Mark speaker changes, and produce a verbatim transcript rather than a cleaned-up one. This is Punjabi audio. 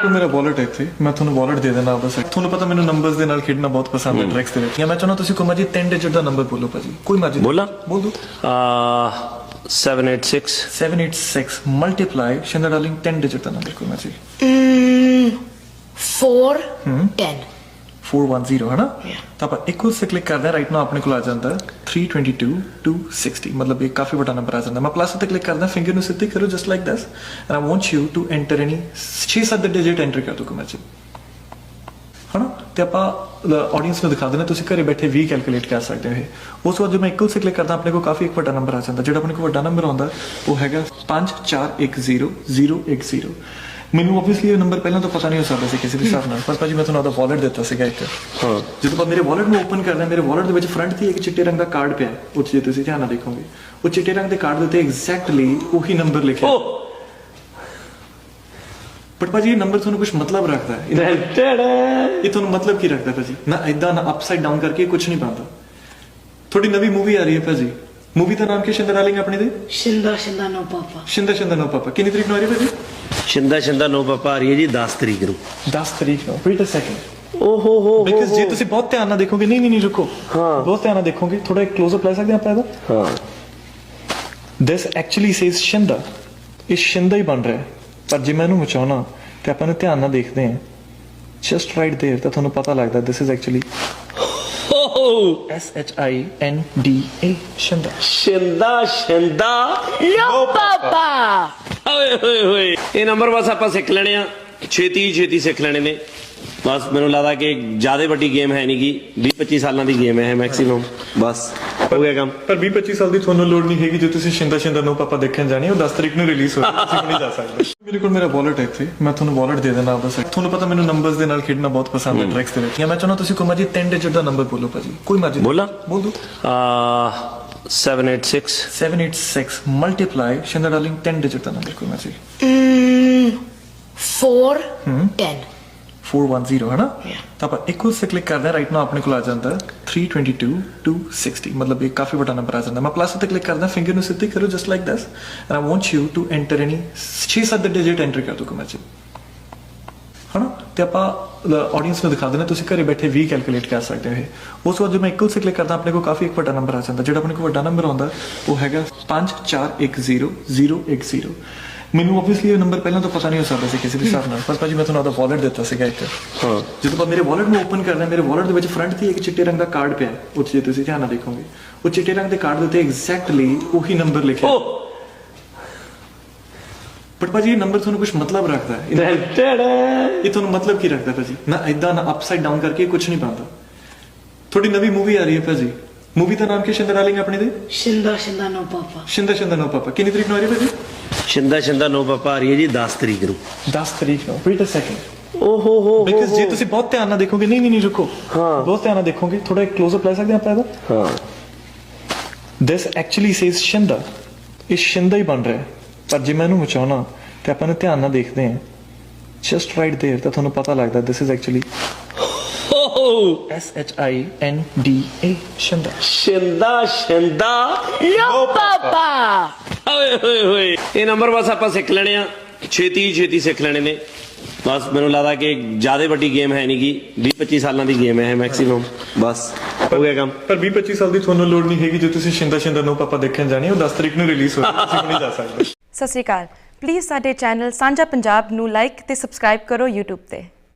Speaker 1: ਕੋਲ ਮੇਰਾ ਵਾਲਟ ਹੈ ਇੱਥੇ, ਮੈਂ ਤੁਹਾਨੂੰ ਵਾਲਟ ਦੇ ਦੇਣਾ ਬਸ। ਤੁਹਾਨੂੰ ਪਤਾ ਮੈਨੂੰ ਨੰਬਰਸ ਦੇ ਨਾਲ ਖੇਡਣਾ ਬਹੁਤ ਪਸੰਦ ਹੈ, ਟ੍ਰਿਕਸ ਦੇ ਵਿੱਚ। ਜਾਂ ਮੈਂ ਚਾਹੁੰਦਾ ਤੁਸੀਂ ਕੋਈ ਮਰਜ਼ੀ ਤਿੰਨ ਡਿਜਿਟ ਦਾ ਨੰਬਰ ਬੋਲੋ ਭਾਜੀ, ਕੋਈ ਮਰਜ਼ੀ
Speaker 2: ਬੋਲਾਂ?
Speaker 1: ਬੋਲ ਦੋ।
Speaker 2: seven eight six
Speaker 1: seven eight six multiply Shinda darling ਤਿੰਨ ਡਿਜਿਟ ਦਾ ਨੰਬਰ ਕੋਈ ਮਰਜ਼ੀ।
Speaker 3: four ten
Speaker 1: four one zero ਹੈ ਨਾ? ਤਾਂ ਆਪਾਂ ਇੱਕੋ ਸੇ ਕਲਿੱਕ ਕਰਦੇ ਹਾਂ, ਰਾਈਟ ਨਾਓ ਆਪਣੇ ਕੋਲ ਆ ਜਾਂਦਾ three twenty-two two sixty, ਮਤਲਬ ਇਹ ਕਾਫੀ ਵੱਡਾ ਨੰਬਰ ਆ ਜਾਂਦਾ। ਮੈਂ ਪਲੱਸ ਤੇ ਕਲਿੱਕ ਕਰਦਾ, ਫਿੰਗਰ ਨੂੰ ਸਿੱਧੀ ਕਰੋ just like this, and I want you to enter any ਛੇ ਸੱਤ ਡਿਜਿਟ ਐਂਟਰ ਕਰ ਦਿਓ ਕੋਈ ਮਰਜ਼ੀ, ਹੈ ਨਾ? ਤੇ ਆਪਾਂ ਆਡੀਅנס ਨੂੰ ਦਿਖਾ ਦੇਣਾ, ਤੁਸੀਂ ਘਰੇ ਬੈਠੇ ਵੀ ਕੈਲਕੂਲੇਟ ਕਰ ਸਕਦੇ ਹੋ ਇਹ। ਉਸ ਤੋਂ ਬਾਅਦ ਜਦੋਂ ਮੈਂ ਇੱਕੋ ਸੇ ਕਲਿੱਕ ਕਰਦਾ, ਆਪਣੇ ਕੋਲ ਕਾਫੀ ਇੱਕ ਵੱਡਾ ਨੰਬਰ ਆ ਜਾਂਦਾ। ਜਿਹੜਾ ਆਪਣੇ ਕੋਲ ਵੱਡਾ ਨੰਬਰ ਆਉਂਦਾ ਉਹ ਹੈਗਾ ਪੰਜ ਚਾਰ ਇੱਕ ਜ਼ੀਰੋ ਜ਼ੀਰੋ ਇੱਕ ਜ਼ੀਰੋ। ਮੈਨੂੰ ਆਬਵੀਅਸਲੀ ਇਹ ਨੰਬਰ ਪਹਿਲਾਂ ਤਾਂ ਪਤਾ ਨਹੀਂ ਹੋ ਸਕਦਾ ਸੀ ਕਿਸੇ ਵੀ ਹਿਸਾਬ ਨਾਲ, ਪਰ ਭਾਜੀ ਮੈਂ ਤੁਹਾਨੂੰ ਉਹਦਾ ਵਾਲਟ ਦਿੱਤਾ ਸੀਗਾ ਇੱਕ।
Speaker 2: ਹਾਂ,
Speaker 1: ਜਦੋਂ ਆਪਾਂ ਮੇਰੇ ਵਾਲਟ ਨੂੰ ਓਪਨ ਕਰਦੇ ਹਾਂ, ਮੇਰੇ ਵਾਲਟ ਦੇ ਵਿੱਚ ਫਰੰਟ ਤੇ ਇੱਕ ਚਿੱਟੇ ਰੰਗ ਦਾ ਕਾਰਡ ਪਿਆ, ਉਹ 'ਚ ਜੇ ਤੁਸੀਂ ਧਿਆਨ ਨਾਲ ਦੇਖੋਗੇ, ਉਹ ਚਿੱਟੇ ਰੰਗ ਦੇ ਕਾਰਡ ਦੇ ਉੱਤੇ ਐਗਜ਼ੈਕਟਲੀ ਉਹੀ ਨੰਬਰ ਲਿਖਿਆ। ਬਟ ਭਾਜੀ ਇਹ ਨੰਬਰ ਤੁਹਾਨੂੰ ਕੁਝ ਮਤਲਬ ਰੱਖਦਾ ਹੈ। ਇਹ ਤੁਹਾਨੂੰ ਮਤਲਬ ਕੀ ਰੱਖਦਾ ਭਾਜੀ? ਨਾ ਏਦਾਂ ਨਾ ਅਪਸਾਈਡ ਡਾਊਨ ਕਰਕੇ ਕੁਝ ਨਹੀਂ ਬਣਦਾ। ਥੋੜੀ ਨਵੀਂ ਮੂਵੀ ਆ ਰਹੀ ਹੈ ਭਾਜੀ, ਮੂਵੀ ਦਾ ਨਾਮ ਕੀ ਸ਼ਿੰਦਾ ਡਾਰਲਿੰਗ ਆਪਣੀ ਦੇ?
Speaker 3: ਸ਼ਿੰਦਾ ਸ਼ਿੰਦਾ ਨੋ ਪਾਪਾ।
Speaker 1: ਸ਼ਿੰਦਾ ਸ਼ਿੰਦਾ ਨੋ ਪਾਪਾ। ਕਿੰਨੀ ਤਰੀਕ ਨੂੰ ਆ ਰਹੀ ਹੈ ਭਾਜੀ?
Speaker 2: ਸ਼ਿੰਦਾ ਸ਼ਿੰਦਾ ਨੋ ਪਾਪਾ ਆ ਰਹੀ ਹੈ ਜੀ ਦਸ ਤਰੀਕ ਨੂੰ।
Speaker 1: ਦਸ ਤਰੀਕ ਨੂੰ। Wait a second.
Speaker 2: ਓ ਹੋ ਹੋ
Speaker 1: ਬਿਕਾਜ਼ ਜੇ ਤੁਸੀਂ ਬਹੁਤ ਧਿਆਨ ਨਾਲ ਦੇਖੋਗੇ, ਨਹੀਂ ਨਹੀਂ ਨਹੀਂ ਰੁਕੋ,
Speaker 2: ਹਾਂ
Speaker 1: ਬਹੁਤ ਧਿਆਨ ਨਾਲ ਦੇਖੋਗੇ, ਥੋੜਾ ਇੱਕ ਕਲੋਜ਼ ਅਪ ਲੈ ਸਕਦੇ ਆਪਾਂ ਇਹਦਾ?
Speaker 2: ਹਾਂ।
Speaker 1: ਦਿਸ ਐਕਚੁਅਲੀ ਸੇਜ਼ ਸ਼ਿੰਦਾ, ਇਹ ਸ਼ਿੰਦਾ ਹੀ ਬਣ ਰਿਹਾ, ਪਰ ਜੇ ਮੈਂ ਇਹਨੂੰ ਮਚਾਉਣਾ ਤੇ ਆਪਾਂ ਨੂੰ ਧਿਆਨ ਨਾਲ ਦੇਖਦੇ ਹਾਂ, ਜਸਟ ਰਾਈਟ ਦੇयर, ਤਾਂ ਤੁਹਾਨੂੰ ਪਤਾ ਲੱਗਦਾ this is actually S H I N D A Shinda.
Speaker 2: Shinda Shinda
Speaker 3: no ਪਾਪਾ।
Speaker 2: ਓਏ ਹੋਏ ਹੋਏ, ਇਹ ਨੰਬਰ ਬਸ ਆਪਾਂ ਸਿੱਖ ਲੈਣੇ ਆ, ਛੇਤੀ ਛੇਤੀ ਸਿੱਖ ਲੈਣੇ ਨੇ ਬਸ। ਮੈਨੂੰ ਲੱਗਦਾ ਕਿ ਜ਼ਿਆਦਾ ਵੱਡੀ ਗੇਮ ਹੈ ਨਹੀਂ ਗੀ, ਵੀਹ ਪੱਚੀ ਸਾਲਾਂ ਦੀ ਗੇਮ ਹੈ ਮੈਕਸਿਮਮ, ਬਸ ਹੋ ਗਿਆ ਕੰਮ।
Speaker 1: ਪਰ ਵੀਹ ਪੱਚੀ ਸਾਲ ਦੀ ਤੁਹਾਨੂੰ ਲੋੜ ਨਹੀਂ ਹੈਗੀ ਜੇ ਤੁਸੀਂ ਸ਼ਿੰਦਾ ਸ਼ਿੰਦਾ ਨੋ ਪਾਪਾ ਦੇਖਣ ਜਾਣੀ, ਉਹ ਦਸ ਤਰੀਕ ਨੂੰ ਰਿਲੀਜ਼ ਹੋਈ, ਤੁਸੀਂ ਨਹੀਂ ਜਾ ਸਕਦੇ। ਮੇਰੇ ਕੋਲ ਮੇਰਾ ਵਾਲਟ ਹੈ ਇੱਥੇ, ਮੈਂ ਤੁਹਾਨੂੰ ਵਾਲਟ ਦੇ ਦੇਣਾ ਬਸ। ਤੁਹਾਨੂੰ ਪਤਾ ਮੈਨੂੰ ਨੰਬਰਸ ਦੇ ਨਾਲ ਖੇਡਣਾ ਬਹੁਤ ਪਸੰਦ ਹੈ, ਟ੍ਰਿਕਸ ਦੇ ਵਿੱਚ। ਜਾਂ ਮੈਂ ਚਾਹੁੰਦਾ ਤੁਸੀਂ ਕੋਈ ਮਰਜ਼ੀ ਤਿੰਨ ਡਿਜਿਟ ਦਾ ਨੰਬਰ ਬੋਲੋ ਭਾਜੀ, ਕੋਈ ਮਰਜ਼ੀ
Speaker 2: ਬੋਲਾਂ?
Speaker 1: ਬੋਲ ਦੋ।
Speaker 2: seven eight six
Speaker 1: seven eight six multiply Shinda darling ਤਿੰਨ ਡਿਜਿਟ ਦਾ ਨੰਬਰ ਕੋਈ ਮਰਜ਼ੀ।
Speaker 3: four ten
Speaker 1: four one zero ਹੈ ਨਾ? ਤਾਂ ਆਪਾਂ ਇੱਕੋ ਸੇ ਕਲਿੱਕ ਕਰਦੇ ਹਾਂ, ਰਾਈਟ ਨਾਓ ਆਪਣੇ ਕੋਲ ਆ ਜਾਂਦਾ three twenty-two two sixty, ਮਤਲਬ ਇਹ ਕਾਫੀ ਵੱਡਾ ਨੰਬਰ ਆ ਜਾਂਦਾ। ਮੈਂ ਪਲੱਸ ਤੇ ਕਲਿੱਕ ਕਰਦਾ, ਫਿੰਗਰ ਨੂੰ ਸਿੱਧੀ ਕਰੋ just like this, and I want you to enter any ਛੇ ਸੱਤ ਡਿਜਿਟ ਐਂਟਰ ਕਰ ਦਿਓ ਕੋਈ ਮਰਜ਼ੀ, ਹੈ ਨਾ? ਤੇ ਆਪਾਂ ਆਡੀਅנס ਨੂੰ ਦਿਖਾ ਦੇਣਾ, ਤੁਸੀਂ ਘਰੇ ਬੈਠੇ ਵੀ ਕੈਲਕੂਲੇਟ ਕਰ ਸਕਦੇ ਹੋ ਇਹ। ਉਸ ਤੋਂ ਬਾਅਦ ਜਦੋਂ ਮੈਂ ਇੱਕੋ ਸੇ ਕਲਿੱਕ ਕਰਦਾ, ਆਪਣੇ ਕੋਲ ਕਾਫੀ ਇੱਕ ਵੱਡਾ ਨੰਬਰ ਆ ਜਾਂਦਾ। ਜਿਹੜਾ ਆਪਣੇ ਕੋਲ ਵੱਡਾ ਨੰਬਰ ਆਉਂਦਾ ਉਹ ਹੈਗਾ ਪੰਜ ਚਾਰ ਇੱਕ ਜ਼ੀਰੋ ਜ਼ੀਰੋ ਇੱਕ ਜ਼ੀਰੋ। ਮੈਨੂੰ ਆਬਵੀਅਸਲੀ ਇਹ ਨੰਬਰ ਪਹਿਲਾਂ ਤਾਂ ਪਤਾ ਨਹੀਂ ਹੋ ਸਕਦਾ ਸੀ ਕਿਸੇ ਵੀ ਹਿਸਾਬ ਨਾਲ, ਪਰ ਭਾਜੀ ਮੈਂ ਤੁਹਾਨੂੰ ਉਹਦਾ ਵਾਲਟ ਦਿੱਤਾ ਸੀਗਾ ਇੱਕ।
Speaker 2: ਹਾਂ,
Speaker 1: ਜਦੋਂ ਆਪਾਂ ਮੇਰੇ ਵਾਲਟ ਨੂੰ ਓਪਨ ਕਰਦੇ ਹਾਂ, ਮੇਰੇ ਵਾਲਟ ਦੇ ਵਿੱਚ ਫਰੰਟ ਤੇ ਇੱਕ ਚਿੱਟੇ ਰੰਗ ਦਾ ਕਾਰਡ ਪਿਆ, ਉਹ 'ਚ ਜੇ ਤੁਸੀਂ ਧਿਆਨ ਨਾਲ ਦੇਖੋਗੇ, ਉਹ ਚਿੱਟੇ ਰੰਗ ਦੇ ਕਾਰਡ ਦੇ ਉੱਤੇ ਐਗਜ਼ੈਕਟਲੀ ਉਹੀ ਨੰਬਰ ਲਿਖਿਆ। ਬਟ ਭਾਜੀ ਇਹ ਨੰਬਰ ਤੁਹਾਨੂੰ ਕੁਝ ਮਤਲਬ ਰੱਖਦਾ ਹੈ। ਇਹ ਤੁਹਾਨੂੰ ਮਤਲਬ ਕੀ ਰੱਖਦਾ ਭਾਜੀ? ਨਾ ਏਦਾਂ ਨਾ ਅਪਸਾਈਡ ਡਾਊਨ ਕਰਕੇ ਕੁਝ ਨਹੀਂ ਬਣਦਾ। ਥੋੜੀ ਨਵੀਂ ਮੂਵੀ ਆ ਰਹੀ ਹੈ ਭਾਜੀ, ਮੂਵੀ ਦਾ ਨਾਮ ਕੀ ਸ਼ਿੰਦਾ ਡਾਰਲਿੰਗ ਆਪਣੀ ਦੇ?
Speaker 3: ਸ਼ਿੰਦਾ ਸ਼ਿੰਦਾ ਨੋ ਪਾਪਾ।
Speaker 1: ਸ਼ਿੰਦਾ ਸ਼ਿੰਦਾ ਨੋ ਪਾਪਾ। ਕਿੰਨੀ ਤਰੀਕ ਨੂੰ ਆ ਰਹੀ ਹੈ ਭਾਜੀ?
Speaker 2: ਸ਼ਿੰਦਾ ਸ਼ਿੰਦਾ ਨੋ ਪਾਪਾ ਆ ਰਹੀ ਹੈ ਜੀ ਦਸ ਤਰੀਕ ਨੂੰ।
Speaker 1: ਦਸ ਤਰੀਕ ਨੂੰ। Wait a second.
Speaker 2: ਓ ਹੋ ਹੋ
Speaker 1: ਬਿਕਾਜ਼ ਜੇ ਤੁਸੀਂ ਬਹੁਤ ਧਿਆਨ ਨਾਲ ਦੇਖੋਗੇ, ਨਹੀਂ ਨਹੀਂ ਨਹੀਂ ਰੁਕੋ,
Speaker 2: ਹਾਂ
Speaker 1: ਬਹੁਤ ਧਿਆਨ ਨਾਲ ਦੇਖੋਗੇ, ਥੋੜਾ ਇੱਕ ਕਲੋਜ਼ ਅਪ ਲੈ ਸਕਦੇ ਆਪਾਂ ਇਹਦਾ?
Speaker 2: ਹਾਂ।
Speaker 1: ਦਿਸ ਐਕਚੁਅਲੀ ਸੇਜ਼ ਸ਼ਿੰਦਾ, ਇਹ ਸ਼ਿੰਦਾ ਹੀ ਬਣ ਰਿਹਾ, ਪਰ ਜੇ ਮੈਂ ਇਹਨੂੰ ਮਚਾਉਣਾ ਤੇ ਆਪਾਂ ਨੂੰ ਧਿਆਨ ਨਾਲ ਦੇਖਦੇ ਹਾਂ, ਜਸਟ ਰਾਈਟ ਦੇयर, ਤਾਂ ਤੁਹਾਨੂੰ ਪਤਾ ਲੱਗਦਾ this is actually S H I N D A Shinda.
Speaker 2: Shinda Shinda
Speaker 3: no ਪਾਪਾ।
Speaker 2: ਓਏ ਹੋਏ ਹੋਏ, ਇਹ ਨੰਬਰ ਬਸ ਆਪਾਂ ਸਿੱਖ ਲੈਣੇ ਆ, ਛੇਤੀ ਛੇਤੀ ਸਿੱਖ ਲੈਣੇ ਨੇ ਬਸ। ਮੈਨੂੰ ਲੱਗਦਾ ਕਿ ਜ਼ਿਆਦਾ ਵੱਡੀ ਗੇਮ ਹੈ ਨਹੀਂ ਗੀ, ਵੀਹ ਪੱਚੀ ਸਾਲਾਂ ਦੀ ਗੇਮ ਹੈ ਮੈਕਸਿਮਮ, ਬਸ ਹੋ ਗਿਆ ਕੰਮ।
Speaker 1: ਪਰ ਵੀਹ ਪੱਚੀ ਸਾਲ ਦੀ ਤੁਹਾਨੂੰ ਲੋੜ ਨਹੀਂ ਹੈਗੀ ਜੇ ਤੁਸੀਂ ਸ਼ਿੰਦਾ ਸ਼ਿੰਦਾ ਨੋ ਪਾਪਾ ਦੇਖਣ ਜਾਣੀ, ਉਹ ਦਸ ਤਰੀਕ ਨੂੰ ਰਿਲੀਜ਼ ਹੋਈ, ਤੁਸੀਂ ਨਹੀਂ ਜਾ ਸਕਦੇ।
Speaker 4: ਸਤਿ ਸ਼੍ਰੀ ਅਕਾਲ। ਪਲੀਜ਼ ਸਾਡੇ ਚੈਨਲ ਸਾਂਝਾ ਪੰਜਾਬ ਨੂੰ ਲਾਈਕ ਤੇ ਸਬਸਕ੍ਰਾਈਬ ਕਰੋ YouTube ਤੇ।